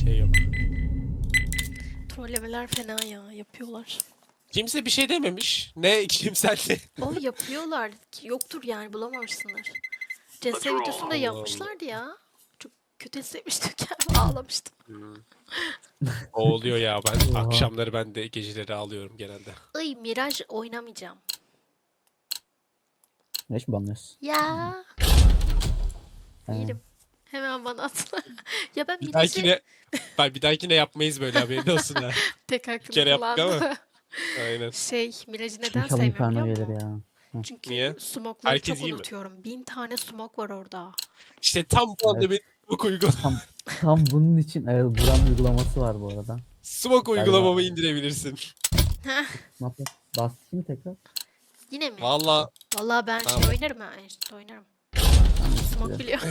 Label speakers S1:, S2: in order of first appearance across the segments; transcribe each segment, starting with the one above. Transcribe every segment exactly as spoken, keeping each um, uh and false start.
S1: şey yok.
S2: Trollemeler fena ya. Yapıyorlar.
S1: Kimse bir şey dememiş. Ne kimsel ne?
S2: O yapıyorlar. Yoktur yani bulamamışsınlar. C S videosunda yapmışlardı ya. Çok kötü hissetmiştim kendimi. Ağlamıştım.
S1: O oluyor ya, ben
S3: Oha.
S1: akşamları ben de geceleri alıyorum genelde.
S2: Ay Miraj oynamayacağım.
S3: Ne iş mi banlıyorsun?
S2: Ya.
S3: He.
S2: Yerim. Hemen bana atla. Ya ben
S1: Bir
S2: Miraj'ı
S1: dahakine ben bir dahakine yapmayız böyle, haberin olsun ha.
S2: tek hakkını
S1: kere yaptık
S2: kullandım.
S1: ama. Aynen.
S2: Şey Miraj'ı neden
S3: İnşallah
S2: sevmiyorum
S3: Inferno
S2: biliyor
S3: gelir
S2: musun?
S3: ya.
S2: Çünkü
S1: Niye?
S2: smokları
S1: Herkes
S2: çok
S1: iyi mi?
S2: unutuyorum. Bin tane smok var orada.
S1: İşte tam bu anda
S3: Evet.
S1: benim smoke uygula
S3: Tam, tam bunun için evet, Buran uygulaması var bu arada.
S1: smoke uygulamamı indirebilirsin.
S2: Heh,
S3: Ne yapayım? Basayım tekrar.
S2: yine mi?
S1: Valla
S2: Vallahi ben
S1: Tamam.
S2: şey oynarım ha. Enstitü oynarım. Smoke biliyorum.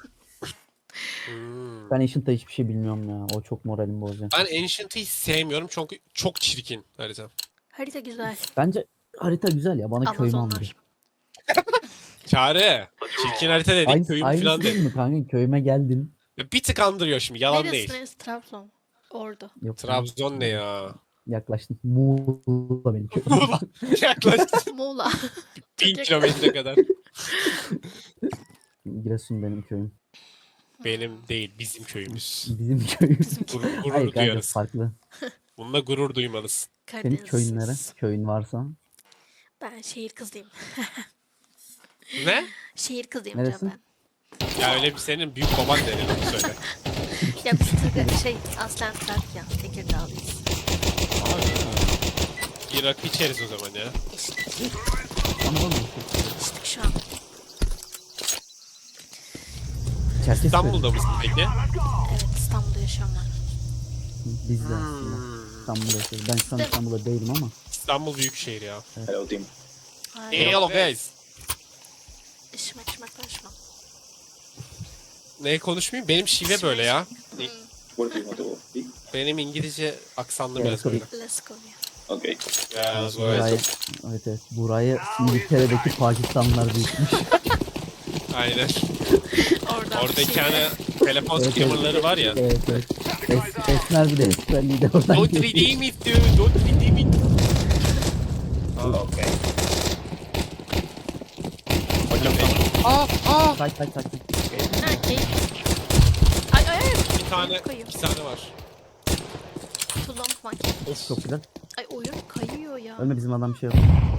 S1: Hmm.
S3: Ben Ancient'ta hiçbir şey bilmiyorum ya. O çok moralimi bozuyor.
S1: Ben Ancient'ı hiç sevmiyorum çünkü çok çirkin harita.
S2: Harita güzel.
S3: Bence harita güzel ya. Bana köyümü andırıyor.
S2: Amazonlar.
S1: Çare. Çirkin harita dedik,
S3: Aynı,
S1: köyüm
S3: aynısı
S1: falan
S3: değil
S1: dedik.
S3: mi kanka? Köyüme geldin.
S1: Bir tık andırıyor şimdi, yalan
S2: Neresi
S1: değil.
S2: neresi? Trabzon. Ordu.
S3: Yok,
S1: Trabzon ne ya?
S3: Yaklaştın. Muğla benim köyüm.
S1: Muğla. Yaklaşık
S2: Muğla.
S1: bin
S2: Çok
S1: kilometre kadar.
S3: Giresun benim köyüm.
S1: Benim değil, bizim köyümüz.
S3: Bizim köyüm.
S1: Gurur,
S3: Hayır
S1: gurur
S3: kanka
S1: duyarız.
S3: farklı.
S1: Bununla gurur duymalısın.
S3: Senin
S2: Karadeniz.
S3: köyün nere? Köyün varsa.
S2: Ben şehir kızıyım.
S1: Ne?
S2: Şehir kızıyım
S3: Neresi?
S2: canım ben.
S1: Ya öyle bir, senin büyük baban denir, onu söyle.
S2: Ya biz Tırga- şey aslen Trakya. Tekirdağlıyız.
S1: Bir rakı içeriz o zaman ya.
S2: İçtik.
S3: Anladın mı?
S2: İçtik şu an.
S3: Çerkes
S1: İstanbul'da mısın peki?
S2: Evet İstanbul'da yaşıyorum ben.
S3: Biz de aslında.
S1: Hmm.
S3: İstanbul'da yaşıyoruz. Ben şu an İstanbul'da değilim ama.
S1: İstanbul büyük şehir ya.
S4: Hello, team.
S2: Hayır.
S1: Hello guys.
S2: İşime içime karışma.
S1: Ne konuşmayayım? Benim şive böyle ya.
S4: What do you want to eat?
S1: Benim İngilizce aksanlı
S3: Evet,
S1: biraz
S3: tabii.
S1: böyle.
S2: Let's go ya.
S4: Okay.
S1: Ya,
S3: Burayı, evet evet. Burayı İngiltere'deki Pakistanlılar büyütmüş.
S1: Aynen.
S2: Oradan
S1: Oradaki
S2: şey-
S1: hani telefon
S3: Evet,
S1: scammerları var ya.
S3: Evet evet. Es, Esmer bir de Esmerliği de oradan
S1: Don't
S3: geliyor.
S1: redeem it dude. Don't redeem it.
S4: Okay.
S1: Aa, aa.
S3: Kaç kaç kaç.
S2: Ha, keyif. Ay ay ay.
S1: Bir tane,
S2: Kayıyor.
S1: bir tane var.
S2: Tuzlama manken.
S3: Çok güzel.
S2: Ay oyun kayıyor ya.
S3: Ölme bizim adam bir şey yok.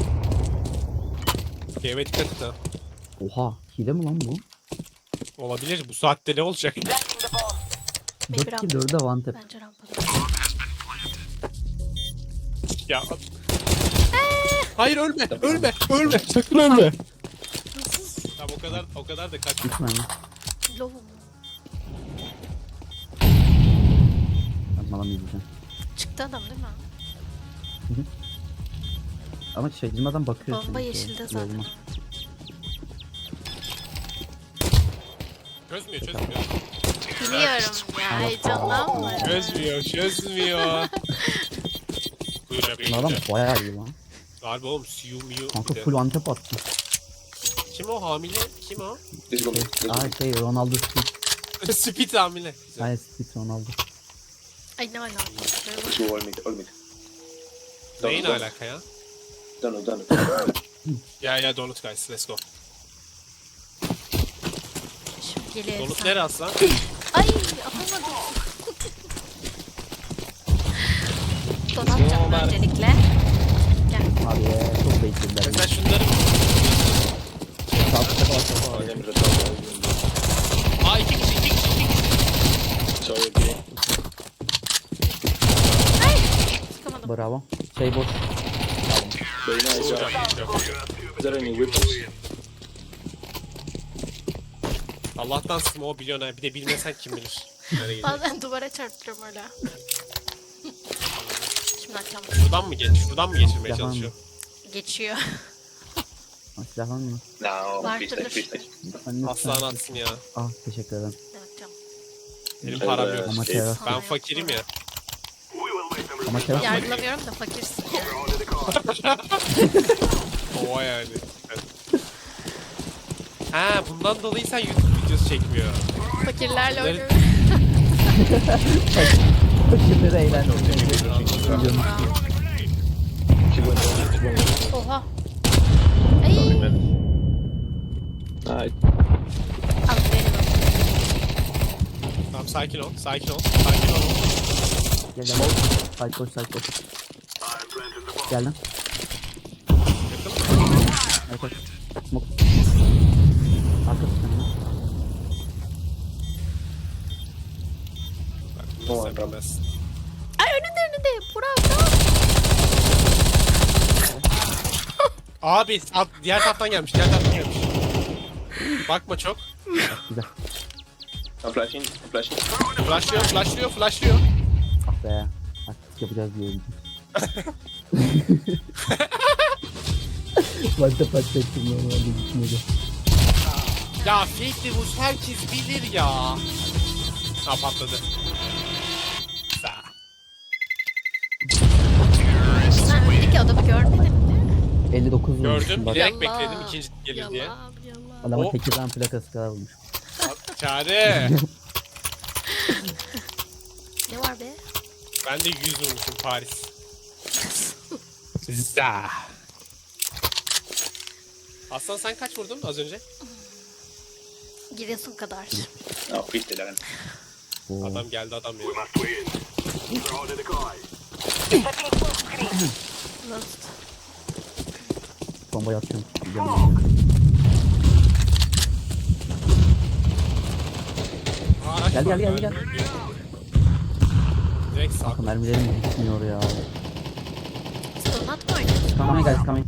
S1: Game dikkat et ha.
S3: Oha. Hile mi lan bu?
S1: Olabilir. Bu saatte ne olacak?
S2: Maybe
S3: dört kill dörde one tap.
S2: Bence rampada.
S1: Ya. Hayır, ölme. Ölme. Ölme. Sakın ölme. Tamam, o kadar o kadar da kaçma.
S3: Gitme mi?
S2: Lovum.
S3: Ben adam izleyeceğim.
S2: Çıktı adam değil mi?
S3: Ama şey bizim adam bakıyor.
S2: Bomba
S3: şimdi.
S2: yeşilde zaten.
S3: Yoluma.
S1: Çözmüyor, çözmüyor.
S2: Biliyorum ya heyecanlanma.
S1: Çözmüyor, çözmüyor. Buyur abi.
S3: Bu adam bayağı iyi lan.
S1: Galiba oğlum, Siu Miu.
S3: Kanka
S1: bir de.
S3: full one tap attı.
S1: Kim o hamile? Kim o?
S4: This one.
S3: Şey,
S4: This one.
S3: aa şey Ronaldo Speed.
S1: Speed hamile. Güzel.
S3: Hayır Speed Ronaldo.
S2: Ay ne alaka?
S4: Two all mid. All mid.
S1: Neyin
S4: Donut,
S1: alaka ya?
S4: Donut, donut, donut.
S1: Ya ya donut guys, let's go.
S2: Şimdi geliyor.
S1: Donut
S2: sen.
S1: nere aslan?
S2: Ay atamadım. Donat canım öncelikle. Gel.
S3: Abi ya çok beklediler.
S1: Mesela şunları...
S3: Sağ tarafa bak.
S4: All them retarded.
S1: Aa, iki kişi, iki kişi, iki kişi.
S4: Sorry, okay.
S2: Çıkamadım.
S3: Bravo. Şey boş.
S4: Very nice job.
S1: Çok iyi, çok iyi.
S4: Is there any weapons?
S1: Allah'tan Smo biliyorsun ha. Bir de bilmesen kim bilir. Nereye gidiyor?
S2: Bazen duvara çarptırıyorum öyle. Şimdi açacağım.
S1: Şuradan mı geç? Şuradan mı geçirmeye
S3: Yalan
S1: çalışıyor?
S2: Geçiyor.
S3: Ha, silahlan mı?
S4: No,
S2: Vardır.
S4: please, please, please.
S3: Lütfen, lütfen.
S1: Aslan atsın ya.
S3: Ah teşekkür ederim.
S2: Ne yapacağım?
S1: Benim
S4: Evet,
S1: param yok.
S3: Ama
S4: şey,
S3: teras.
S1: Ben fakirim ya.
S3: Ama teras mı?
S2: Yargılamıyorum da fakirsin yani.
S1: Ova yani. Ha, bundan dolayı sen YouTube videosu çekmiyor.
S2: Fakirlerle
S1: Bunları-
S2: oynuyorum.
S3: Fakirleri eğlendirmeye.
S4: She went down.
S2: Oha.
S4: Coming
S2: Ay.
S4: mid. Nice.
S2: Al benim.
S1: Tamam sakin ol. Sakin ol. Sakin ol.
S3: Gel gel. Side koş side koş. Gel lan. Evet evet. Smoke. Arkası sende.
S1: Bak,
S4: Tamam,
S1: sen
S4: tamam.
S1: bilmez.
S2: Ay önünde önünde. Bravo bravo.
S1: Abi at, diğer taraftan gelmiş. Diğer taraftan gelmiş. Bakma çok.
S3: Güzel.
S4: I'm flashing. I'm flashing.
S1: Flashlıyor, flashlıyor, flashlıyor.
S3: Ah be. Artık yapacağız diyorum. Başta patlattım normalde gitmedi.
S1: Ya Fate Devils herkes bilir ya. Ha patladı. Sa.
S2: Sen öndeki adamı görmedin mi?
S3: elli dokuz vurmuşum
S1: Gördüm.
S3: bak.
S1: Bilerek
S2: Yallah,
S1: bekledim ikinci gelir diye.
S2: Yallah, yallah.
S3: Adama
S1: O-
S3: Tekirdağ plakası kadar vurmuş.
S1: Çare.
S2: Ne var be?
S1: Ben de yüz vurmuşum Paris. Za. Aslan sen kaç vurdun az önce?
S2: Giresun kadar.
S4: No, fifty lan.
S3: Oo.
S1: Adam geldi adam benim.
S2: Lost.
S3: Bombayı atıyorum. Gidiyorum.
S1: Aa, araç
S3: Gel,
S1: var,
S3: gel, gel,
S1: ben-
S3: gel.
S1: Direkt sağ.
S3: Kanka mermilerim gitmiyor ya.
S2: Stonat mı oynuyorsun?
S3: Kamaya gel kamaya.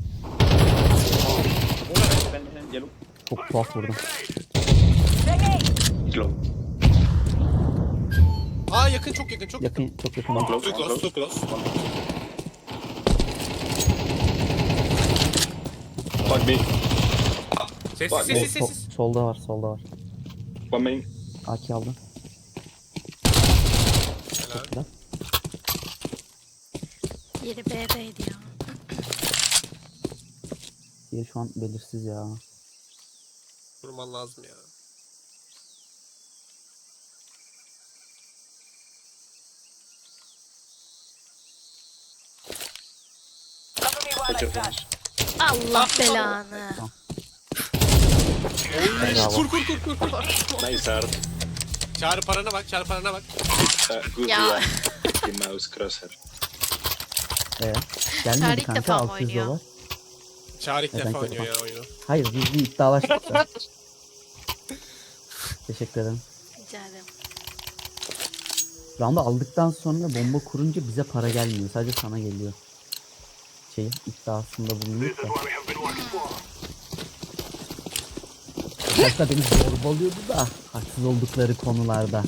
S4: Yellow.
S3: Çok tuhaf vurdum.
S4: Slow.
S1: Aa yakın çok yakın çok yakın.
S3: Yakın çok yakın.
S4: One
S3: oldu.
S4: close.
S1: Too
S4: One
S1: close,
S4: close.
S1: too close.
S4: Fuck me.
S1: Sessiz
S4: Bak,
S1: sessiz
S3: Sol-
S1: sessiz.
S3: solda var solda var.
S4: One main.
S3: A K aldım.
S1: Helal.
S3: Güzel.
S2: Yeri B'deydi ya.
S3: Diye şu an belirsiz ya.
S1: Vurman lazım ya.
S4: Watch your finish.
S2: Allah belanı.
S3: Bravo.
S1: Kur kur kur kur kur.
S4: Nice art.
S1: Çağrı parana bak, çağrı parana bak.
S4: Uh, good
S2: Ya.
S4: yeah. The mouse crosshair.
S3: Ee,
S2: Çağrı
S3: gelmedi
S2: ilk
S3: kanka
S2: defa mı
S3: altı yüz
S2: oynuyor?
S3: dolar.
S1: Çağrı ilk
S3: Evet,
S1: defa
S3: ben
S1: oynuyor ya oyunu.
S3: Hayır biz bir iddialaştık da. Teşekkür ederim.
S2: Rica ederim.
S3: Round'u aldıktan sonra bomba kurunca bize para gelmiyor. Sadece sana geliyor. Şey iddiasında bulunuyor da. Arkadaşlar beni zorbalıyordu da haksız oldukları konularda.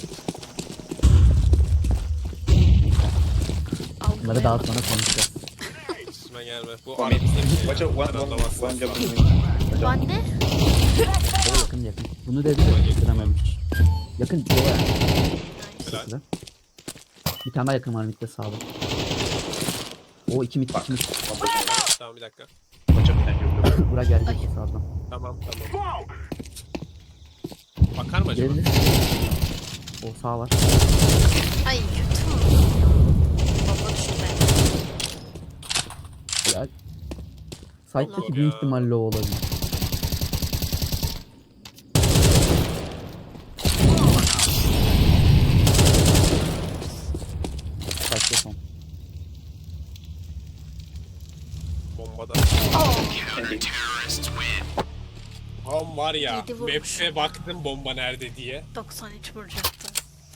S3: Bunları daha sonra konuşacağız.
S1: Üstüme gelme. Bu
S4: One
S1: arada
S4: main.
S1: bir şey.
S4: Watch out. One,
S1: Ben
S4: one,
S1: anlamazsın.
S4: one jump. Watch out.
S2: Anne?
S3: O yakın yakın. Bunu dedi de bitirememiş. Yakın o yani.
S1: Helal.
S3: Güzel. Bir tane daha yakın var midde sağda. O iki mid iki mid.
S4: One push.
S1: Tamam bir dakika.
S4: Watch out behind you.
S3: Bura gelecek sağdan.
S1: Tamam tamam. Bakar mı acaba?
S3: Gelir. O sağ var.
S2: Ay kötü mü? Baba düşme.
S3: Helal. Side'daki
S1: Allah
S3: büyük
S1: ya.
S3: ihtimalle o olabilir. Side'de son.
S1: Bombada.
S4: Ending.
S1: Tam var ya.
S2: Yedi vurmuş.
S1: Map'e baktım bomba nerede diye.
S2: doksan üç vuracaktı.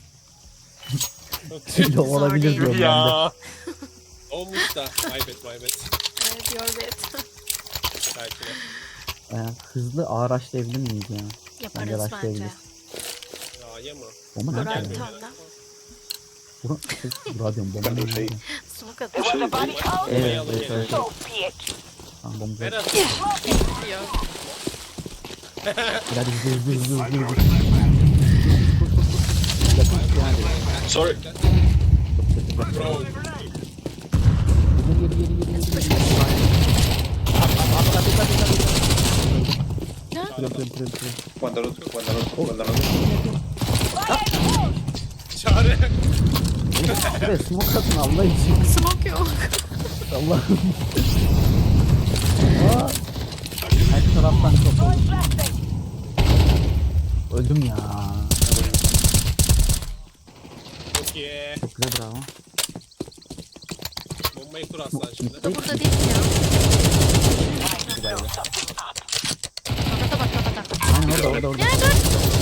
S3: Öyle olabilir
S2: değil.
S3: diyorum ben de.
S1: Ya. Olmuş da. My bad my bad.
S2: Evet yorbet.
S1: Belki de.
S3: Ee, hızlı ağır açlayabilir miyiz ya? Bence
S2: Yaparız bence.
S3: başlayabiliriz.
S1: Ya yama.
S3: Bomba
S2: Burak
S3: nerede?
S2: bir
S3: ya?
S2: tane daha.
S3: Bura, bura diyorum bomba
S4: Ben de
S3: nerede?
S4: şey-
S2: Smoke atıyor.
S4: Should we?
S3: Evet,
S1: alıp
S3: evet,
S1: geliyor.
S3: evet. Tamam bomba.
S1: Nerede?
S2: Yok.
S3: Hadi hızlı hızlı hızlı hızlı hızlı. Yakın yani.
S4: Sorry.
S1: Bro.
S3: Yedi yedi yedi yedi yedi. Kırım kırım kırım kırım.
S4: One download. One download. One download.
S1: Çare.
S3: Buraya smoke atın Allah için.
S2: Smoke yok.
S3: Allah'ım. Aa! Her taraftan çok oldu. Öldüm ya.
S1: Çok iyi.
S3: Çok güzel bravo.
S1: Bombayı kur aslan şimdi.
S2: Bu da burada değil mi ya? Kafata bak kafata.
S3: Aynen orada orada orada.
S2: Ya dur.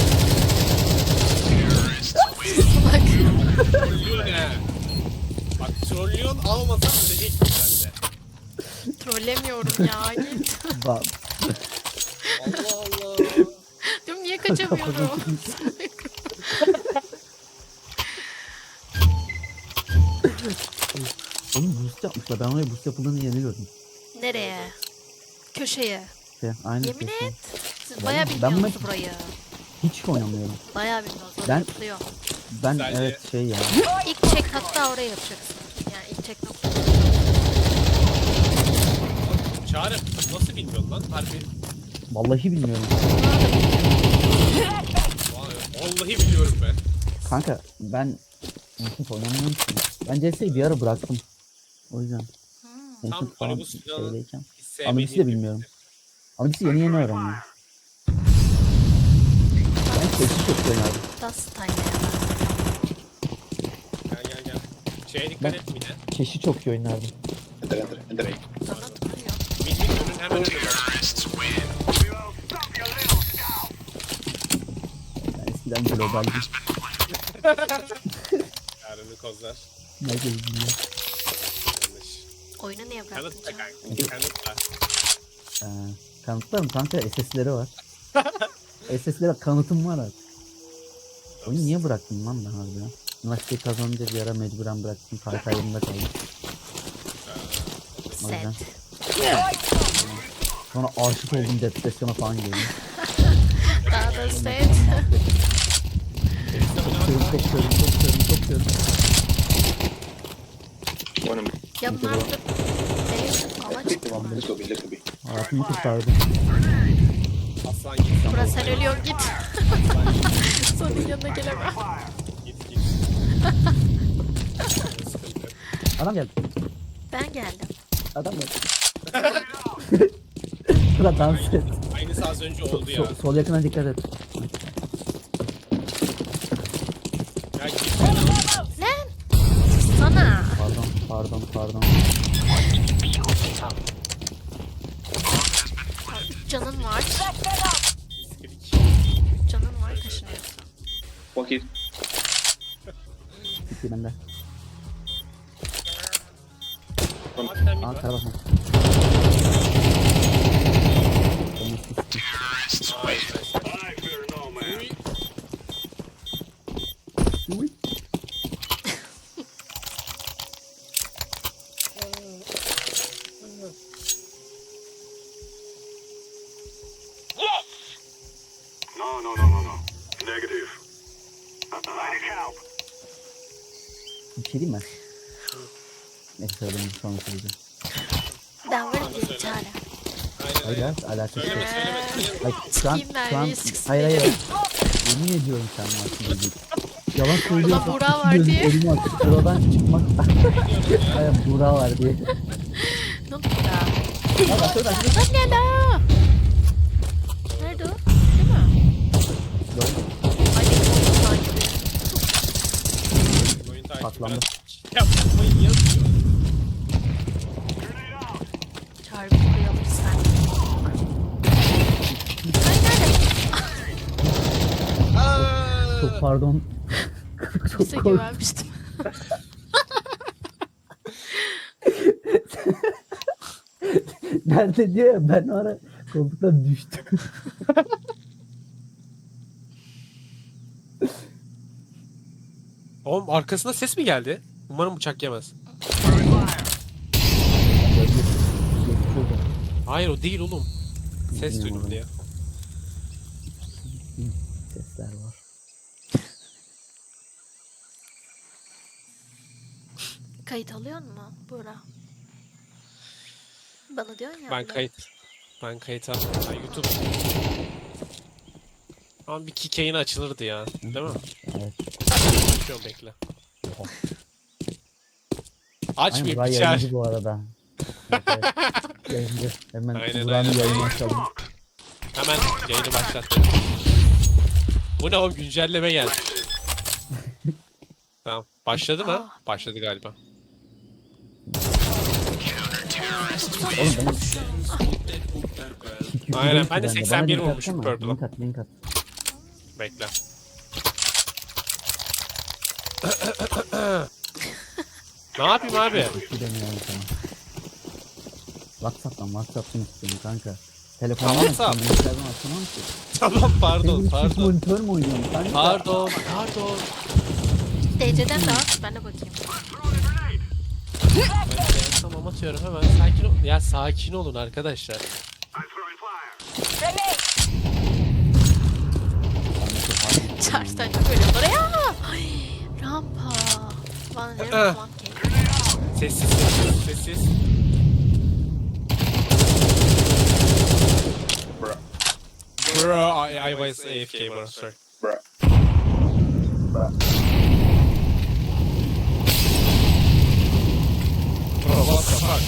S2: Bak.
S1: Trollüyor ne? Bak trollüyorsun almasan öleceksin sen de.
S2: Trollemiyorum ya. Git.
S3: Bak.
S1: Allah Allah.
S2: Diyorum niye kaçamıyorum?
S3: Oğlum boost yapmışlar. Ben oraya boost yapıldığını yeni gördüm.
S2: Nereye? Köşeye.
S3: Şey, aynı
S2: Yemin
S3: şey.
S2: et. Siz bayağı
S3: Ben-
S2: bilmiyorsunuz
S3: ben-
S2: burayı.
S3: Hiç oynamıyorum.
S2: Bayağı bilmiyorsunuz.
S3: Ben-
S2: Ben...
S3: Ben
S1: Güzel
S3: evet şey ya.
S2: İlk check hatta oraya yapacaksın. Yani ilk check nokta.
S1: Çare nasıl bilmiyorsun lan? Harbi.
S3: Vallahi bilmiyorum.
S1: Vay, vallahi biliyorum ben.
S3: Kanka ben hiç oynamıyorum ki. Ben C S'yi bir ara bıraktım. O yüzden.
S2: Hmm.
S1: Tam
S3: Konuşup falan
S1: Arabus silahını
S3: şeydeyken.
S1: hiç sevmediğim
S3: Analis'i de
S1: bir-
S3: bilmiyorum. Analis'i yeni yeni öğrendim. Ben keşi çok oynardım.
S2: Das time ya.
S1: Gel gel gel. Şeye dikkat et bir de.
S3: Keşi çok iyi oynardım.
S4: Enter, enter, enter.
S2: Bana tutuyor.
S1: Mid mid önün hemen önünde.
S3: Ben eskiden globaldim.
S1: Yarını kozlar.
S3: Ne bileyim.
S1: Yanlış.
S2: Oyunu niye bıraktın
S1: Kanıtla
S2: canım?
S1: kanka. Kanıtla.
S3: Ee, kanıtlarım kanka S S'leri var. S S'lere kanıtım var artık. Oyunu niye bıraktım lan ben harbiden? Üniversiteyi kazanınca bir ara mecburen bıraktım. Kaykayımda kaldım. O yüzden.
S2: Set.
S3: Sonra aşık oldum, depresyona falan girdim.
S2: Daha da set.
S3: Çok çok çok çok çok çok
S4: One of
S2: Ya bunlar burada değil ama çıktı.
S4: them. Let's go B, let's go B.
S3: Hayatımı kurtardım.
S1: Aslan git.
S2: Burası sen ölüyorsun git. Sonun yanına gelemem.
S1: Git git. Sıkıntı.
S3: Adam geldi.
S2: Ben geldim.
S3: Adam geldi. Sıra dans et.
S1: Aynısı az önce oldu ya.
S3: Sol, sol yakına dikkat et.
S1: Ya git.
S2: Lan! Sana.
S3: Pardon pardon pardon.
S2: Üç canın var.
S1: Skrik.
S2: Canın var kaşınıyor.
S4: One hit.
S3: Bitti bende.
S1: Hatta mid
S3: Aa
S1: var.
S3: kara bakma.
S1: Uy.
S3: Uy.
S5: No, no, no, no, no. Negative. I need help.
S3: Bir şey diyeyim mi? Neyse söyledim sonra söyleyeceğim.
S2: Ben varım diye çare.
S1: Aynen
S3: Hayır
S1: aynen.
S3: ya alakası yok.
S1: Söyleme söyleme. söyleme.
S3: Hayır, şu an,
S2: Sikeyim ben,
S3: şu an,
S2: risk
S3: hayır hayır. Yemin ediyorum sen varsın dedi. Yalan söylüyorsun.
S2: Buğra var
S3: Gözüm
S2: diye.
S3: Elimi açıp buradan çıkmak. Hayır Buğra var diye.
S2: Ne oldu burada?
S3: Aa bak şurada.
S2: Lan ne la? Nerede o? Değil mi?
S3: Gördün mü?
S2: Ay benim oğlum takibi.
S1: Oyun takibi
S3: Patlandı.
S1: biraz- Yapmayın yazıyor.
S2: Çağrı bir buraya alırsan. Ay nerede?
S1: Aa!
S3: Çok pardon. Çok
S2: Size
S3: korktum.
S2: güvenmiştim.
S3: Nerede diyor ya ben o ara koltuktan düştüm.
S1: Oğlum arkasında ses mi geldi? Umarım bıçak yemez. Hayır o değil oğlum. Ses duydum diye.
S3: Sesler var.
S2: Kayıt alıyor mu Buğra? Bana diyorsun ya.
S1: Ben
S2: bile.
S1: kayıt. Ben kayıt aldım. Ben YouTube. Ama bir kick yayını açılırdı ya. Değil mi?
S3: Evet.
S1: Açıyorum bekle.
S3: Aynen
S1: Açmayayım
S3: Burak
S1: içer.
S3: yayıncı bu arada. Evet, evet. Yayıncı. Hemen
S1: Aynen,
S3: Burak'ın
S1: aynen.
S3: yayını açalım.
S1: Hemen yayını başlattım. Bu ne oğlum, güncelleme geldi. Tamam. Başladı mı?
S2: Ah.
S1: Başladı galiba.
S3: Oğlum benim...
S1: Aynen, ben de
S3: Bana
S1: seksen bir
S3: link
S1: vurmuşum
S3: atsana.
S1: Purple'a.
S3: Link at, link at.
S1: Bekle. Ne yapayım abi?
S3: Bir deniyorum sana. Whatsapp'tan, Whatsapp'tan istiyorum kanka. Telefondan
S1: Tamam,
S3: açsam,
S1: tamam.
S3: bilgisayardan açamam ki.
S1: Tamam, pardon
S3: Benim çift
S1: pardon.
S3: monitör mü oynuyorum kanka?
S1: Pardon pardon.
S2: D C'den de at. Ben de bakayım.
S1: Ben tamam atıyorum hemen. Sakin ol. Ya sakin olun arkadaşlar.
S5: I'm throwing fire.
S2: Charge'dan çok ölüyorum oraya. Ay, rampa. Bana ne
S1: Ah.
S2: monkey.
S1: Sessiz sessiz sessiz.
S4: Bruh.
S1: Bro, I, I was A F K bro, sorry.
S4: Bruh. Bruh.
S1: Bro, what the fuck?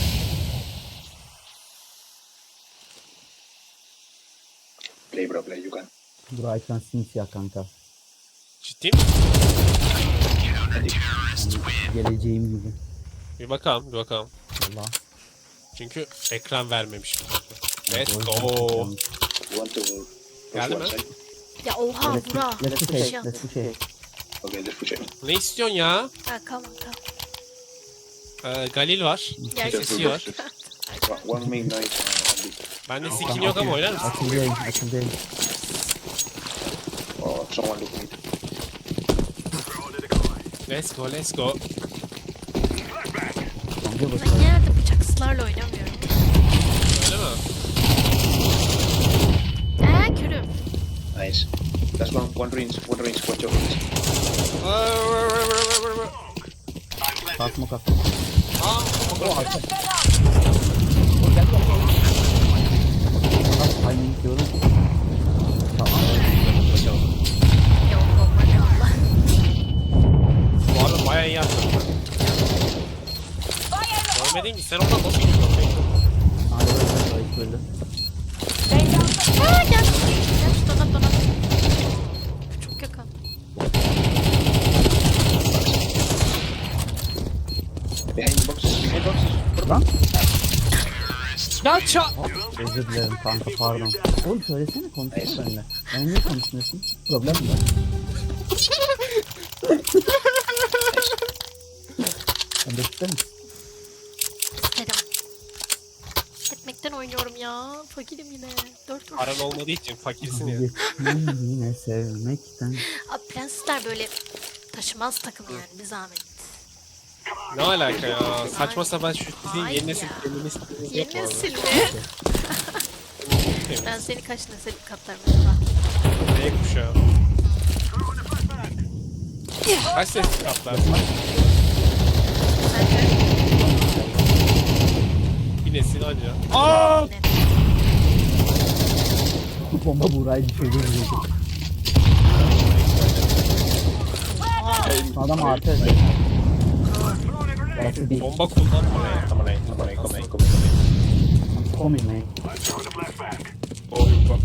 S4: Play, bro, play. You can.
S3: Burak ekran simsiyah kanka.
S1: Ciddi mi?
S3: Yani geleceğim gibi.
S1: Bir bakalım, bir bakalım.
S3: Valla.
S1: Çünkü ekran vermemiş. Let's
S3: O yüzden
S1: go.
S3: bakıyorum.
S4: You want to push
S1: Geldi
S4: one
S1: mi?
S4: side?
S2: Ya oha
S3: Let's
S2: bura.
S3: let's
S2: Bir
S3: push
S2: şey
S3: it, let's
S2: attı.
S3: push it.
S4: Okay, let's push it.
S1: Ne istiyorsun ya?
S2: Ha come on come.
S1: Ee, Galil var.
S2: Gel.
S1: Sesi var.
S4: One- One main night. Uh, on the-
S1: Bende skin yok ama oynar mısın?
S3: Açıldayım, açıldayım.
S4: oh, someone look mid.
S1: Let's go, let's go.
S3: Kanka
S2: Ben
S3: bakalım.
S2: genelde bıçaksızlarla oynamıyorum.
S1: Öyle mi?
S2: Eee körüm.
S4: Nice. That's one. One range. One range. Watch out.
S3: Sağ smoke attım.
S1: Aa,
S3: Nasıl timing diyorum. Tamam.
S2: Yok bomba ne Allah.
S1: bu arada bayağı iyi yaptın. Görmedin ki sen oradan nasıl gidiyorsun?
S3: Hadi böyle, böyle, böyle.
S2: Aa gel. Gel şu donat donat. Çok yakın.
S4: Behind boxes. Behind boxes.
S3: Lan.
S1: Ya ça...
S3: Özür dilerim kanka pardon. Oğlum söylesene konuşsana benimle. Ben niye konuşmuyorsun? Problem mi var? Sen de ister misin?
S2: İsterim. Etmekten oynuyorum ya. Fakirim yine. Dört vur.
S1: Paran olmadığı için fakirsin ya.
S3: Yetmem yine sevmekten.
S2: Abi prensler böyle taşımaz takım yani bir zahmet.
S1: Ne alaka ya? Saçma sapan şu sizin
S2: Ay
S1: yeni nesil
S2: ya.
S1: feminist yok
S2: Yeni
S1: mu
S2: nesil mi?
S1: orada?
S2: Ben seni kaç nesil katlarım acaba?
S1: Ne kuşağı? Kaç ses katlar?
S2: Sence?
S1: Bir nesil anca. Aa!
S2: Net.
S3: Bu bomba Buğra'yı düşürdü. Adam artı. Burası bir.
S1: Bomba kullanma ya.
S4: Come on, eh, come on, eh, come on, come on, come on.
S3: Komik mi?
S5: Throwing a flashback.
S4: Oh, fuck.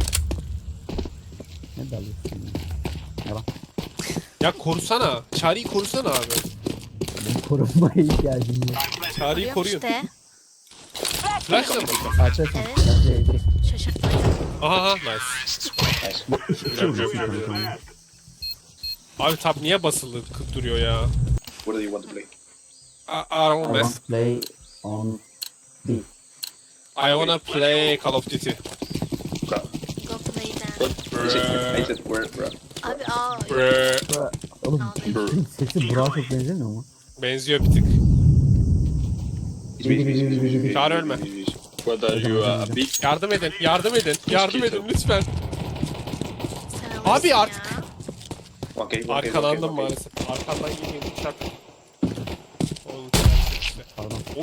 S3: Ne dalıyorsun ya? Yalan.
S1: Ya korusana. Çağrı'yı korusana abi.
S3: Benim korunmaya ihtiyacım yok.
S1: Çağrı'yı
S2: Koruyorum
S1: koruyun.
S2: işte.
S1: Flash'la mı?
S3: Artı.
S2: Evet. Şaşırtmaca.
S1: Aha nice.
S4: Nice.
S1: Güzel, güzel, güzel, güzel. Abi tab niye basılı kı- duruyor ya?
S4: What do you want to play?
S1: I, I don't
S3: I
S1: mess.
S3: want to play on B.
S1: I wanna play Call of Duty.
S4: Bro.
S2: Go play then.
S4: What? Is it? I said where, bro?
S2: Abi aa.
S1: Brrr.
S3: Oğlum
S2: Anladım.
S3: sesi Burak'a çok benzemiyor mu?
S1: Benziyor bir tık.
S4: It's busy, busy, busy, busy, busy,
S1: Çağrı
S4: busy,
S1: ölme.
S4: busy, busy. What are you, uh, a big?
S1: Yardım edin, yardım edin, yardım edin lütfen.
S2: Sen
S1: Abi
S2: alırsın
S1: artık-
S2: ya.
S4: Okay, okay,
S1: Arkalandım
S4: okay, okay.
S1: maalesef. Arkandan geliyor uçak. Oğlum işte.
S3: Pardon.
S1: Oy.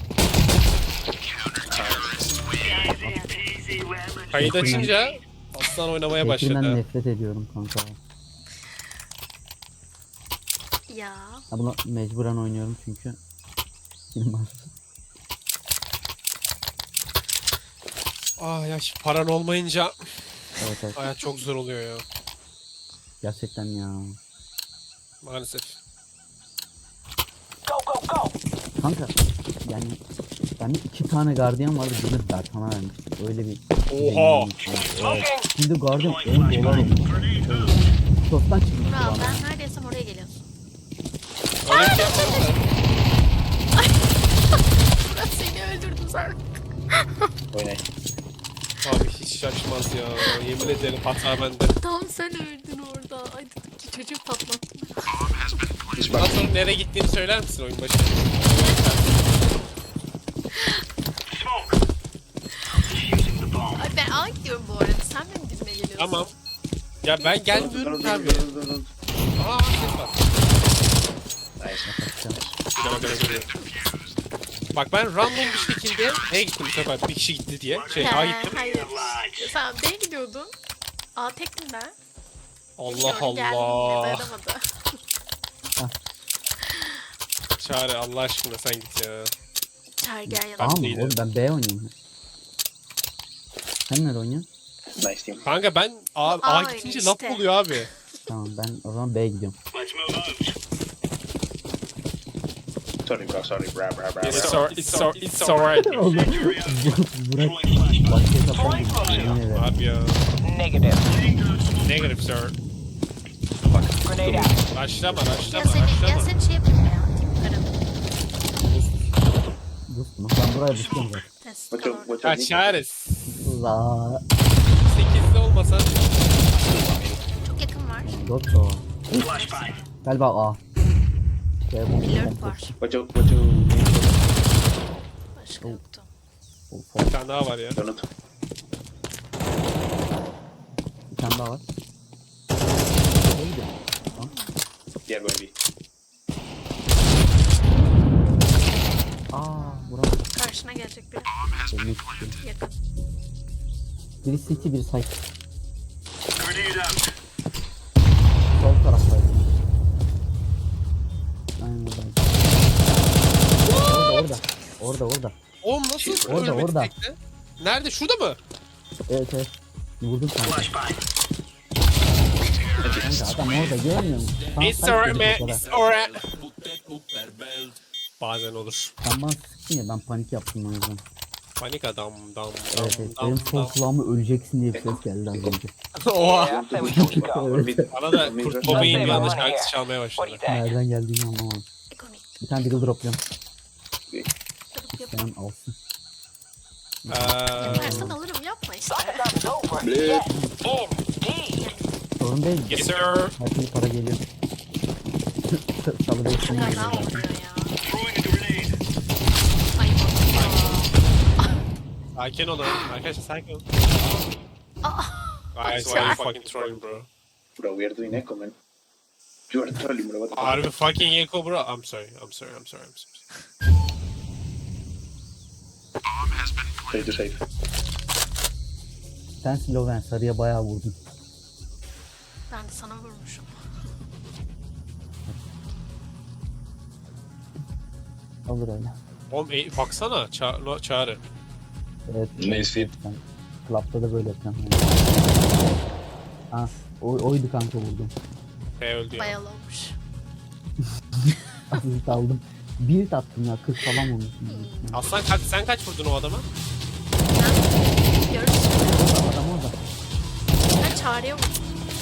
S1: Kayıt açınca aslan oynamaya
S3: Tekrinden
S1: başladı.
S3: nefret ediyorum kanka.
S2: Ya.
S3: Ya bunu mecburen oynuyorum çünkü film var.
S1: Ah ya şu paran olmayınca
S3: Evet evet.
S1: hayat çok zor oluyor ya.
S3: Gerçekten ya.
S1: Maalesef.
S3: Kanka yani bende iki tane gardiyan vardı, birini Bertan'a vermiştim. Öyle bir
S1: Oha!
S3: Evet. Şimdi gardiyan on dolar olmuş. Tosttan çıkmış
S2: Burak
S3: bana.
S2: ben neredeysem oraya geliyorsun.
S1: Öyle bir şey yapmadım.
S2: Burak seni öldürdüm sen.
S4: Oynay.
S1: Abi hiç şaşmaz ya. Yemin ederim hata bende.
S2: Tam sen öldün orada. Ay dedim ki çocuğu patlattım.
S4: He's
S1: Daha
S4: back.
S1: sonra nereye gittiğini söyler misin oyun başı?
S5: Smoke. Defusing the bomb.
S2: Ay ben A gidiyorum bu arada. Sen benim dibime geliyorsun.
S1: Tamam. Ya ben
S4: Don't,
S1: gelmiyorum
S4: don't,
S1: tabii.
S4: don't, don't, don't.
S1: Aa ses var.
S4: Nice.
S1: Güzel bak, güzel. Bak ben random bir şekilde E'ye gittim bu sefer bir kişi gitti diye. Şey A
S2: He,
S1: gittim.
S2: hayır. Sen B'ye gidiyordun. A tektin ben.
S1: Allah
S2: Gördüm, geldim yine,
S1: Allah.
S2: dayanamadı.
S1: Çağrı Allah aşkına sen git ya.
S2: Çağır gel yanıma.
S3: Tamam mı?
S1: değilim.
S3: Oğlum ben B oynuyorum. Sen nerede oynuyorsun?
S4: Nice team.
S1: Kanka ben A, A
S2: Aynı
S1: gidince
S2: işte.
S1: laf oluyor abi.
S3: Tamam ben o zaman B'ye gidiyorum.
S5: Let's move out.
S4: Sorry bro, sorry bro, bro, bro,
S1: It's
S4: bro.
S1: so, it's so, it's alright.
S3: Oğlum Burak başka hesaptan yemin ederim.
S1: Abi ya.
S6: Negative.
S1: Negative sir.
S6: Grenade out.
S1: Başlama,
S2: Ya
S1: başlama,
S2: seni, ya
S1: başlama.
S2: seni şey yapayım ya. Tim karım.
S3: Dostum ben buraya düşüyorum zaten.
S2: Test
S4: What's your,
S2: kalor.
S4: what's your
S1: Ya
S4: nick?
S1: Çağrı
S3: La
S1: sekizde olmasa
S2: Çok yakın var.
S3: Doktor.
S5: Flashbang.
S3: Galiba A. Şey, bu-
S2: Alert var.
S4: What's your, what's your name?
S2: Başka yoktu.
S3: Of,
S1: bir tane daha var ya.
S4: Donut.
S3: bir tane daha var. Neydi?
S4: Yeah, going B.
S3: Aa Burak.
S2: Karşına gelecek biri.
S3: Ölmek istiyorum.
S2: Yakın.
S3: Biri City biri Site.
S5: Grenade out.
S3: Sol taraftaydı. Aynen oradaydı. Orada orada. Orada orada.
S1: Oğlum nasıl
S3: Orada,
S1: ölmedi
S3: orada.
S1: tekte? Nerede? Şurada mı?
S3: Evet evet. Vurdum kanka.
S5: Flashbang.
S3: Kanka adam orada görmüyor musun? Tam
S1: It's
S3: site
S1: alright
S3: dedik o
S1: man,
S3: kadar.
S1: it's alright. Bazen olur.
S3: Sen bana sıktın ya ben panik yaptım o yüzden.
S1: Panik adam, dam,
S3: Evet
S1: dam,
S3: evet.
S1: dam,
S3: Benim sol
S1: dam.
S3: kulağıma öleceksin diye bir ses geldi az önce.
S1: Oha.
S6: Yeah, I say we keep it going.
S4: Or mid.
S1: Bana da
S4: Mid
S1: Kurt
S4: rush.
S1: Cobain bir
S6: Let's
S1: anda
S6: save our
S1: şarkısı
S6: money
S1: çalmaya
S6: What do you
S1: başladı.
S6: think?
S3: Nereden geldiğini anlamadım.
S2: Ekonomik.
S3: Bir tane deagle dropluyorum.
S2: Durup yap.
S3: Sen alsın.
S1: Eee...
S2: Versen alırım yapma işte.
S6: Time's over. Yes, indeed.
S3: Sorun değil.
S1: Yes sir.
S3: Her türlü para geliyor. Salı beşini
S2: Kaza
S3: geliyor.
S2: oluyor ya.
S5: Throwing a grenade.
S2: Ay bak.
S1: Sakin olun. Arkadaşlar sakin olun.
S2: Aa.
S1: Guys, why are you fucking trolling bro?
S4: Bro, we are doing echo, man. You are trolling, bro. What the fuck?
S1: Harbi fucking echo bro. I'm sorry, I'm sorry, I'm sorry, I'm sorry.
S4: Play to save.
S3: Sen Sloven sarıya bayağı vurdun.
S2: Ben de sana vurmuşum.
S3: Olur öyle.
S1: Oğlum e, baksana ça no, Çağrı.
S3: Evet.
S4: Neyse.
S3: Ben Club'da da böyle yapacağım. Ha, o, oydu kanka vurdum.
S1: P öldü ya.
S2: Bayalı olmuş.
S3: Asist aldım. Bir attım ya kırk falan vurmuşum.
S1: Aslan kaç, sen kaç vurdun o adama?
S2: Ben görürsün.
S3: Adam orada.
S2: Ben çağrıya vurdum.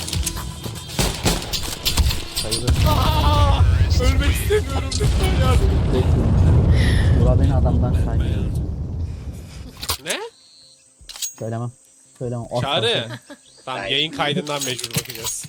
S3: Sayılır.
S1: Aa, ölmek istemiyorum lütfen yardım.
S3: Bura beni adamdan saymıyor.
S1: Ne?
S3: Söylemem. Söylemem. Asla
S1: Çağrı.
S3: söylemem.
S1: Tamam yayın kaydından mecbur bakacağız.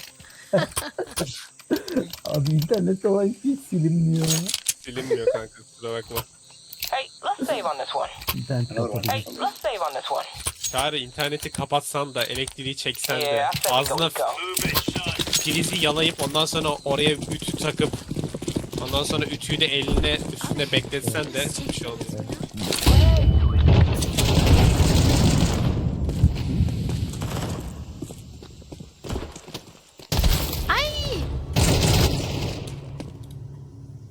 S3: Abi internet olan hiç silinmiyor.
S1: Silinmiyor kanka kusura bakma.
S6: Hey, let's save on this one.
S3: İnternet
S4: Another one.
S6: Hey,
S3: kapatıyor.
S6: let's save on this one.
S1: Çağrı interneti kapatsan da elektriği çeksen de
S6: Yeah, I say we go,
S1: ağzına
S6: we go.
S5: Move it, son.
S1: prizi yalayıp ondan sonra oraya ütü takıp ondan sonra ütüyü de eline üstünde bekletsen de hiçbir şey olmuyor.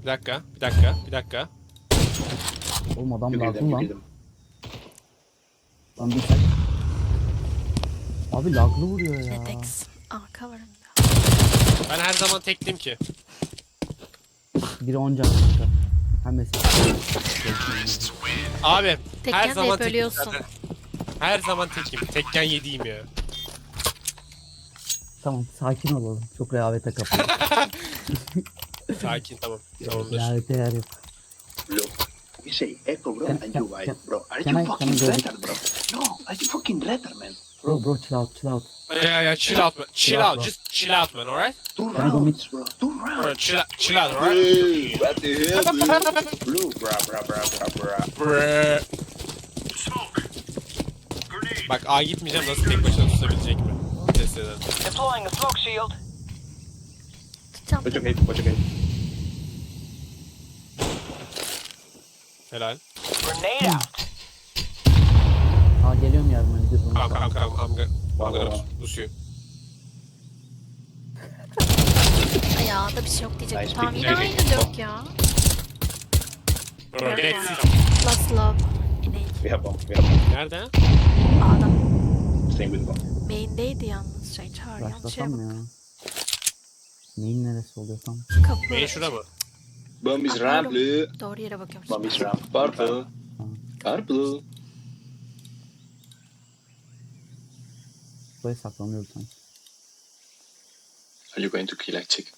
S1: Bir dakika, bir dakika, bir dakika.
S3: Oğlum adam
S4: You kill them,
S3: laglı
S4: you kill
S3: lan.
S4: them.
S3: Lan bir tek. Abi laglı vuruyor ya.
S2: Retex. Arka var önünde.
S1: Ben her zaman tekliyim ki.
S3: Biri on can kanka. Hem mesela.
S1: Abi her
S2: Tekken de
S1: zaman
S2: hep
S1: tekim
S2: ölüyorsun.
S1: zaten. Her zaman tekim. Tekken yediğim ya.
S3: Tamam sakin olalım. Çok rehavete kapalı.
S1: Sakin tamam. Tamamdır.
S3: Rehavete yer yok.
S4: Look, you say echo, bro,
S3: Can-
S4: and
S3: can-
S4: you white,
S3: can-
S4: bro. Are
S3: can
S4: you
S3: I- can
S4: fucking
S3: I go-
S4: retard, bro? No, are you fucking retard, man?
S3: Bro bro chill out chill out.
S1: Yeah, yeah, chill out man. Chill
S3: out,
S1: out.
S3: bro.
S1: Just chill out man, alright?
S4: Two
S3: Can I go
S4: rounds, bro. Two rounds.
S1: Alright, chill out, chill out, alright?
S4: Hey, what the hell, dude? Blue, bra, bra, bra, bra, bra.
S1: Brrrr.
S5: Smoke. Grenade.
S1: Bak A gitmeyeceğim, nasıl tek başına tutabilecek mi? Test edelim.
S6: Deploying a smoke shield.
S2: Tutacağım.
S4: What's your gate? What's your gate?
S1: Helal.
S6: Grenade out.
S3: Aa geliyorum yardıma. Gidiyoruz bunu.
S1: Tamam tamam tamam. I'm gonna, I'm
S4: Tamam,
S1: gonna
S4: tamam.
S1: lose you.
S2: Ayağında bir şey yok diyecektim.
S4: Nice
S2: Tamam
S4: pick.
S2: yine
S1: Evet.
S2: aynı dört ya.
S1: Bro,
S2: Evet.
S1: let's see.
S2: Last love. İnek.
S4: We have bomb. We have bomb.
S1: Nerede?
S2: Adam.
S4: Same with bomb.
S2: Main'deydi yalnız. Şey çağır yanlış şeye
S3: Başlasam
S2: bak.
S3: mı ya? Neyin neresi oluyor tam?
S2: Kapı.
S1: Main şurada mı?
S4: Bomb is
S2: Bakıyorum.
S4: ramp, blue.
S2: Doğru yere bakıyorum.
S4: Bomb
S2: şimdi.
S4: is ramp. Purple. Purple.
S3: Buraya saklanıyordu sanki.
S4: Are you going to kill a chick?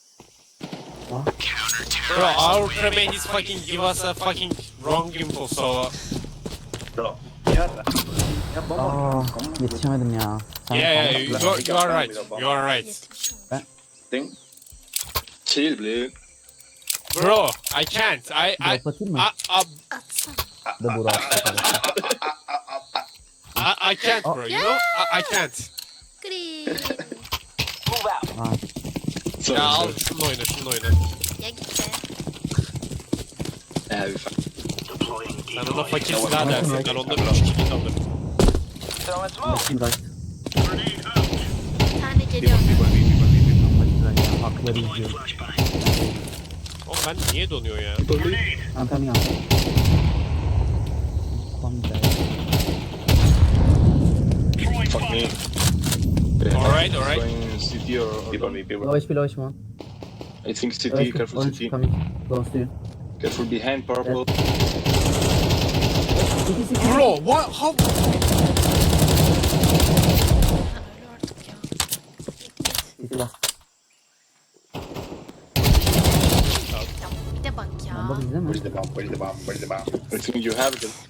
S1: Bro, our crewmate is fucking give us a fucking wrong info, so...
S4: Bro. Yeah. Yeah, bomb.
S3: Aa yetişemedim ya. Sen
S1: Yeah, yeah,
S3: kal-
S1: you, you, are, you are right. You are right.
S2: Yetmiş olmuş.
S4: Thing. Chill, blue.
S1: Bro, I can't. I, I,
S3: Drop atayım mı?
S1: I, I,
S2: Atsana.
S3: Da Burak.
S1: I, I can't, bro. You know, I, I can't.
S2: Green.
S6: Move out.
S3: Aa
S4: Sorry,
S1: Ya al
S4: sorry.
S1: şunu oyna, şunu oyna.
S2: Ya git be.
S4: Yeah, we fuck.
S5: Deploying
S1: Sen
S5: decoy.
S1: ona fakir
S3: Tamam,
S1: silah dersin.
S3: tamam.
S1: Ben onda üç kilit alırım.
S6: Throwing smoke.
S3: bakayım right.
S5: Grenade out.
S2: Bir tane geliyor.
S3: Bakayım right ya. Hakları izliyorum.
S5: Flashbang.
S1: Oğlum ben niye donuyor ya?
S5: Grenade.
S3: I'm coming out. Come back.
S5: Throwing
S4: Fuck me.
S5: bomb.
S1: Alright, alright.
S4: Going city or, or people, me, people.
S3: Low H P low H P one.
S4: I think
S3: Low
S4: city.
S3: H P.
S4: Careful,
S3: Orange
S4: city.
S3: coming. Close to you.
S4: Careful behind purple.
S1: Bro, what? How?
S2: Ha, öyle artık ya.
S3: City last.
S2: Ya bir de bak ya.
S3: Bomba bizde mi?
S4: Where's the bomb? Where's the bomb? Where's the bomb? I think you have them.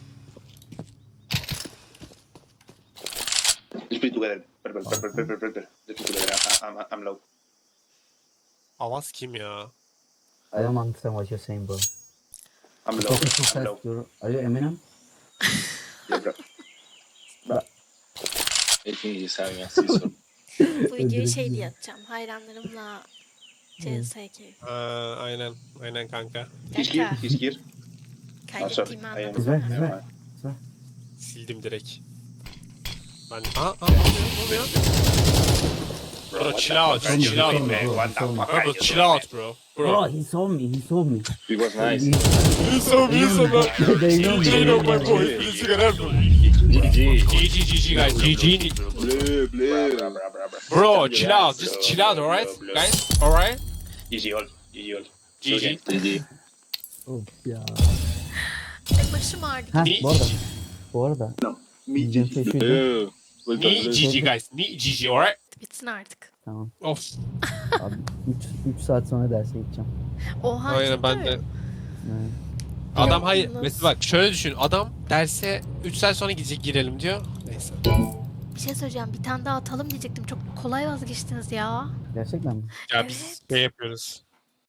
S4: Let's play together. Purple, purple, purple, purple. Let's play together. I, I'm, I'm low.
S1: Avaz kim ya?
S3: I don't understand what you're saying bro.
S4: I'm low.
S3: Talking too
S4: I'm low.
S3: fast. You're, are you Eminem?
S4: Yeah, bro. I think he's having a season.
S2: Bu videoyu şey diye atacağım. Hayranlarımla C S K.
S1: Aa, aynen, aynen kanka.
S4: He's here. He's here. Oh, sorry.
S2: Kaydettiğimi
S4: I am.
S2: anladım.
S3: Güzel, güzel.
S1: Sildim direkt. Ben... Aa, aa, ne oluyor? Bro, chill out,
S3: fuck?
S1: chill out,
S3: Bro,
S1: man.
S3: bro,
S4: What the
S3: bro.
S4: fuck?
S1: Bro,
S4: are you
S1: chill
S4: doing,
S1: out, bro.
S3: Bro,
S1: Bro.
S3: he saw me. He saw me.
S4: man? It was nice.
S1: You so me, so much.
S3: They know me.
S1: G G,
S3: they
S1: no,
S3: know
S1: my
S3: me.
S1: boy. Please, you can help me.
S4: G G.
S1: G G, G G, guys. G G.
S4: Blue, blue. Bro, bro, bro, bro.
S1: Bro, chill out.
S4: Blue,
S1: Just chill out,
S4: blue,
S1: alright?
S4: blue, blue.
S1: Guys, alright?
S4: G G all. G G all.
S1: G G.
S4: G G.
S3: Of ya.
S2: Ay başım ağrıdı.
S3: Ha
S1: Ni-
S3: bu arada. Bu arada.
S4: No. Me
S3: Diyeceğim
S4: G
S3: şey
S4: G.
S3: şuydu.
S4: Yeah. Well done,
S1: Ni
S4: blue.
S1: G G, guys. Ni G G, alright?
S2: Bitsin artık.
S3: Tamam.
S1: Of.
S3: Abi üç saat sonra derse gideceğim.
S2: Oha.
S1: Aynen
S2: ciddi
S1: ben
S2: mi?
S1: de.
S3: Evet.
S1: Adam hayır.
S2: Yalnız.
S1: Mesela bak şöyle düşün. Adam derse üç saat sonra gidecek girelim diyor. Neyse.
S2: Bir şey söyleyeceğim. Bir tane daha atalım diyecektim. Çok kolay vazgeçtiniz ya.
S3: Gerçekten mi?
S1: Ya biz
S2: Evet.
S1: şey yapıyoruz.